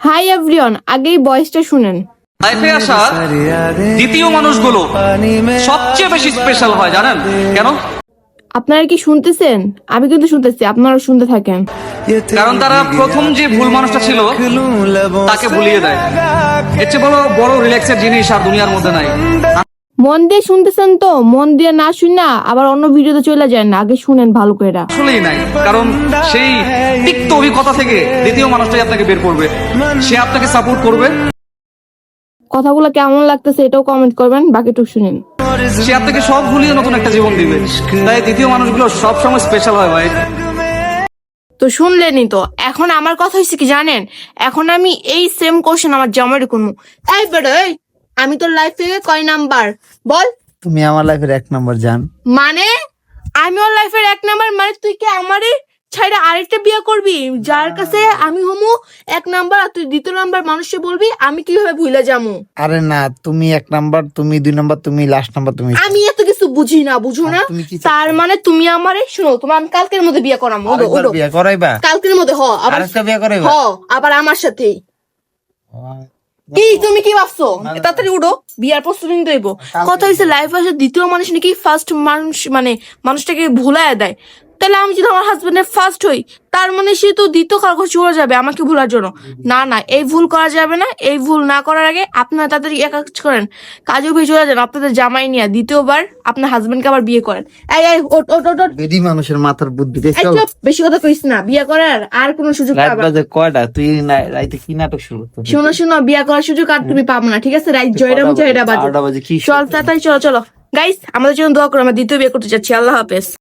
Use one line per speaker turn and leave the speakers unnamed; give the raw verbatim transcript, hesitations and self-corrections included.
Hi everyone, আগেই ভয়েসটা শুনেন।
লাইফে আসা দ্বিতীয় মানুষগুলো সবচেয়ে বেশি স্পেশাল হয়, জানেন কেন?
আপনারা কি শুনতেছেন? আমি কিন্তু শুনতেছি, আপনারা শুনতে থাকেন।
কারণ তারা প্রথম যে ভুল মানুষটা ছিল তাকে ভুলিয়ে দেয়। এর চেয়ে বড় বড় রিল্যাক্সের জিনিস আর দুনিয়ার মধ্যে নাই।
মন দিয়ে শুনতেছেন তো? মন দিয়ে না শুনা আবার অন্য ভিডিওতে চলে যায় না, আগে শুনেন ভালো করে।
আসলেই নাই, কারণ সেই তিক্ত অভিজ্ঞতা থেকে দ্বিতীয় মানুষটাই আপনাকে বের করবে, সে আপনাকে সাপোর্ট করবে,
কথাগুলো কেমন লাগতেছে এটাও কমেন্ট করবেন, বাকিটুকু শুনেন।
সে আপনাকে সব ভুলিয়ে নতুন একটা জীবন দিবে। তাই দ্বিতীয় মানুষগুলো সবসময় স্পেশাল হয় ভাই।
তো শুনলেনই তো। এখন আমার কথা হয়েছে কি জানেন, এখন আমি এই সেম কোশ্চেন আমার জামাইরে করবো। এই বেড়ে, এই, আমি তোর লাইফে কয় নাম্বার বল?
তুমি আমার লাইফের এক নাম্বার জান।
মানে আমি ওর লাইফের এক নাম্বার? মানে তুই কি আমারই ছাইড়া আরেকটা বিয়ে করবি, যার কাছে আমি হমু এক নাম্বার আর তুই দ্বিতীয় নাম্বার মানুষকে বলবি? আমি কিভাবে ভুলে যাবো?
আরে না, তুমি এক নাম্বার, তুমি দুই নাম্বার, তুমি লাস্ট নাম্বার। তুমি
আমি এত কিছু বুঝি না, বুঝো না?
তুমি কি
তার মানে তুমি আমারে শুনো, তোমার আমি কালকের মধ্যে বিয়ে করাবো। ওডো
আরেকবার
ওডো
বিয়ে করাইবা?
কালকের মধ্যে হ, আবার
আরেকটা বিয়ে করাইবা?
হ, আবার আমার সাথেই। কি তুমি কি ভাবছো? তাড়াতাড়ি উঠো, বিয়ার প্রস্তুতি নিতে হইব। কথা হয়েছে লাইফ আসে দ্বিতীয় মানুষ নাকি ফার্স্ট মানুষ, মানে মানুষটাকে ভুলায় দেয়। তাহলে আমি যদি আমার হাজবেন্ডের ফার্স্ট হই, তার মানে সে তো দ্বিতীয় কারো চলে যাবে আমাকে ভুলার জন্য। না না, এই ভুল করা যাবে না। এই ভুল না করার আগে আপনারা তাদের এক কাজ করেন, কাজে ভেয়ে চলে যান আপনাদের জামাই নিয়ে, দ্বিতীয়বার আপনার হাজবেন্ডকে আবার বিয়ে করেন। এই এই ওট ওট ওট ওট।
বেডি মানুষের মাথার বুদ্ধি
এই চুপ, বেশি কথা কইস না। বিয়ে করার আর কোনো সুযোগ
রাত
পাবা না।
বাজে কয়টা? তুই না- রাইতে কি নাটক শুরু করছিস?
শোনো শোনো, বিয়ে করার সুযোগ আর তুমি পাবো না, ঠিক আছে? রাইট জয়রাম জয়রা বাজে।
বাজে কি
চল তাড়াতাড়ি চলো চলো গাইস, আমাদের জন্য দোয়া করো, আমরা দ্বিতীয় বিয়ে করতে যাচ্ছি। আল্লাহ হাফেজ।